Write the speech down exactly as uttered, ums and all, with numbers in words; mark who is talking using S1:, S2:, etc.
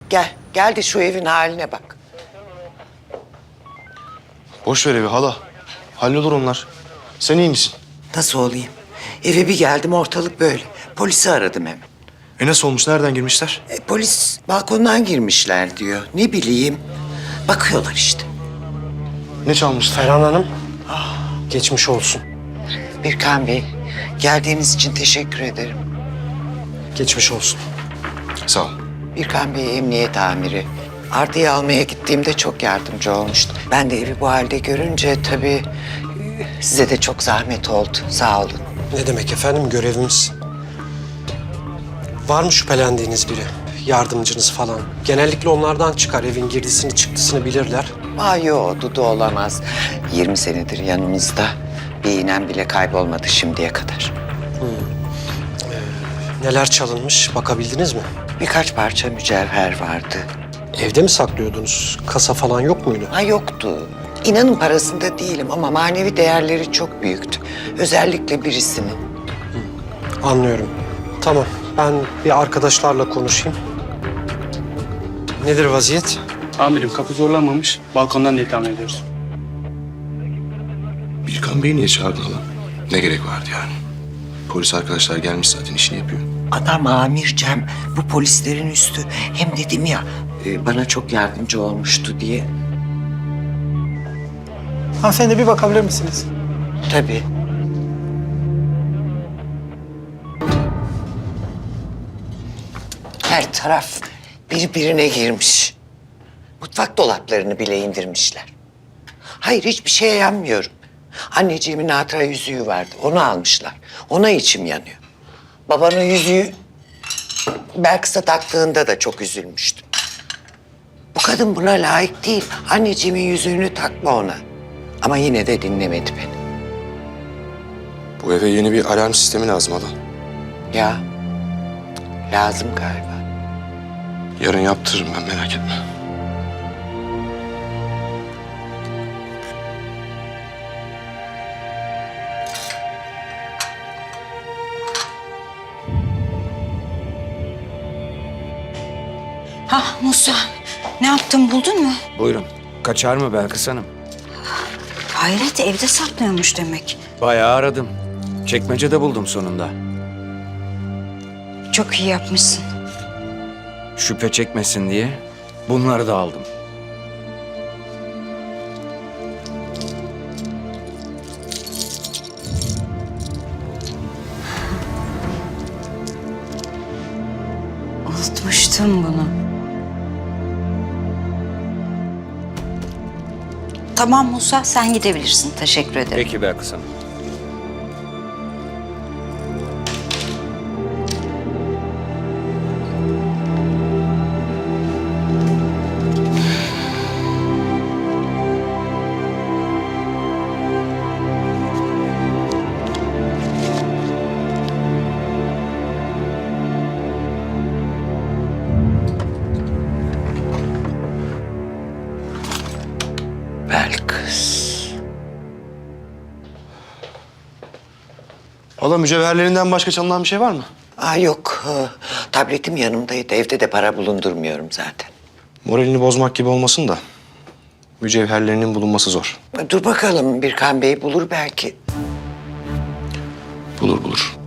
S1: Gel, gel de şu evin haline bak.
S2: Boş ver evi hala. Hallolur onlar. Sen iyi misin?
S1: Nasıl olayım? Eve bir geldim ortalık böyle. Polisi aradım hemen.
S2: E nasıl olmuş? Nereden girmişler?
S1: E, polis balkondan girmişler diyor. Ne bileyim. Bakıyorlar işte.
S2: Ne çalmışlar?
S3: Ferhan Hanım, geçmiş olsun.
S1: Birkan Bey, geldiğiniz için teşekkür ederim.
S3: Geçmiş olsun.
S2: Sağ ol.
S1: Birkan Bey emniyet amiri. Arda'yı almaya gittiğimde çok yardımcı olmuştu. Ben de evi bu halde görünce tabii e, size de çok zahmet oldu. Sağ olun.
S3: Ne demek efendim, görevimiz. Var mı şüphelendiğiniz biri? Yardımcınız falan. Genellikle onlardan çıkar. Evin girdisini çıktısını bilirler.
S1: Ay yo, Dudu olamaz. yirmi senedir yanımızda. Bir iğnem bile kaybolmadı şimdiye kadar.
S3: Neler çalınmış bakabildiniz mi?
S1: Birkaç parça mücevher vardı.
S3: Evde mi saklıyordunuz? Kasa falan yok muydu?
S1: Ha yoktu. İnanın parasında değilim ama manevi değerleri çok büyüktü. Özellikle birisinin.
S3: Anlıyorum. Tamam, ben bir arkadaşlarla konuşayım. Nedir vaziyet?
S4: Amirim kapı zorlanmamış. Balkondan diye tahmin ediyoruz.
S2: Birkan Bey'i niye çağırdın hala? Ne gerek vardı yani? Polis arkadaşlar gelmiş zaten işini yapıyor.
S1: Adam amir Cem, bu polislerin üstü. Hem dedim ya, e, bana çok yardımcı olmuştu diye.
S5: Hanımefendi bir bakabilir misiniz?
S1: Tabii. Her taraf birbirine girmiş. Mutfak dolaplarını bile indirmişler. Hayır, hiçbir şeye yanmıyorum. Anneciğimin hatıra yüzüğü vardı, onu almışlar. Ona içim yanıyor. Babanın yüzüğü Belkıs'a taktığında da çok üzülmüştüm. Bu kadın buna layık değil. Anneciğimin yüzüğünü takma ona. Ama yine de dinlemedi beni.
S2: Bu eve yeni bir alarm sistemi lazım hala.
S1: Ya, lazım galiba.
S2: Yarın yaptırırım ben, merak etme.
S6: Ha Musa, ne yaptın buldun mu?
S7: Buyurun. Kaçar mı Belkıs Hanım?
S6: Hayret, evde saklıyormuş demek.
S7: Bayağı aradım. Çekmecede buldum sonunda.
S6: Çok iyi yapmışsın.
S7: Şüphe çekmesin diye bunları da aldım.
S6: Unutmuştum bunu. Tamam Musa, sen gidebilirsin. Teşekkür ederim.
S7: Peki Belkıs Hanım.
S1: Belkıs.
S2: Hala mücevherlerinden başka çalınan bir şey var mı?
S1: Aa yok, ee, tabletim yanımdaydı. Evde de para bulundurmuyorum zaten.
S2: Moralini bozmak gibi olmasın da. Mücevherlerinin bulunması zor.
S1: Dur bakalım, Birkan Bey bulur belki.
S2: Bulur bulur.